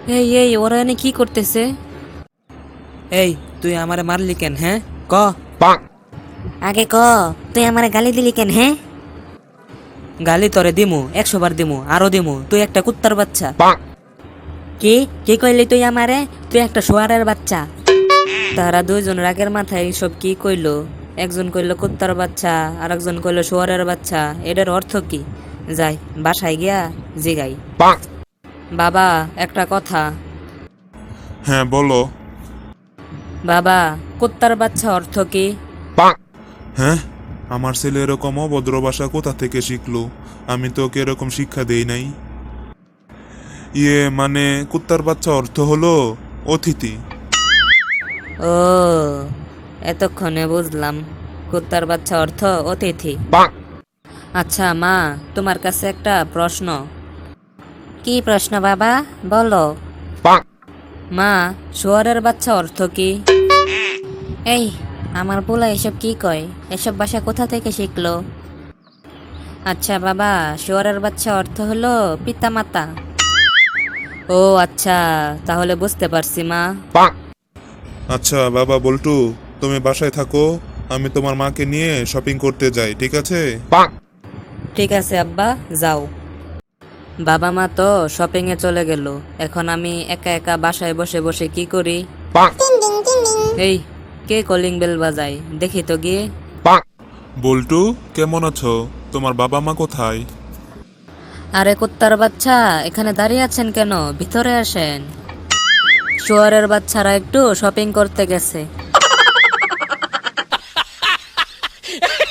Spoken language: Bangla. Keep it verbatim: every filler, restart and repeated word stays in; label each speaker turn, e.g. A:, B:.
A: এই এই ওরা এনে কি করতেছে?
B: এই তুই আমারে মারলি কেন? হ্যাঁ ক।
A: আগে ক, তুই আমারে গালি দিলি কেন? হ্যাঁ,
B: গালি তরে দিমু, একশো বার দিমু, আরো দিমু। তুই একটা কুত্তার বাচ্চা।
A: কি কি কইলি তুই আমারে? তুই একটা শোয়ারের বাচ্চা। তারা দুইজন রাগের মাথায় এইসব কি কইলো। একজন কইলো কুত্তার বাচ্চা, আর একজন কইলো শোয়ারের বাচ্চা। এটার অর্থ কি? যাই বাসায় গিয়া জিগাই। বাবা, একটা কথা।
C: হ্যাঁ বলো।
A: বাবা, কুত্তার বাচ্চা অর্থ কি?
C: হ্যাঁ, আমার ছেলে এরকম অভদ্র ভাষা কোথা থেকে শিখলো? আমি তো ওকে এরকম শিক্ষা দেই নাই। ইয়ে মানে কুত্তার বাচ্চা অর্থ হলো অতিথি।
A: ও, এতক্ষণে বুঝলাম কুত্তার বাচ্চা অর্থ অতিথি। আচ্ছা মা, তোমার কাছে একটা প্রশ্ন। কি প্রশ্ন বাবা, বলো। মা, শুয়ারের বাচ্চা অর্থ কি? এই, আমার পোলা এসব কি কয়? এসব ভাষা কোথা থেকে শিখলো? আচ্ছা বাবা, শুয়ারের বাচ্চা অর্থ হলো পিতামাতা। ও আচ্ছা, তাহলে বুঝতে পারছি মা।
C: আচ্ছা বাবা বল্টু, তুমি বাসায় থাকো, আমি তোমার মাকে নিয়ে শপিং করতে যাই, ঠিক আছে?
A: ঠিক আছে আব্বা, যাও। বাবা মা তো শপিং এ চলে গেল। এখন আমি একা একা বাসায় বসে বসে কি করি? এই, কে কলিং বেল বাজায়? দেখি তো গিয়ে।
C: বল্টু, কেমন আছো? তোমার বাবা মা কোথায়?
A: আরে কুত্তার বাচ্চা, এখানে দাঁড়িয়ে আছেন কেন? ভিতরে আসেন। শুয়ারের বাচ্চারা একটু শপিং করতে গেছে।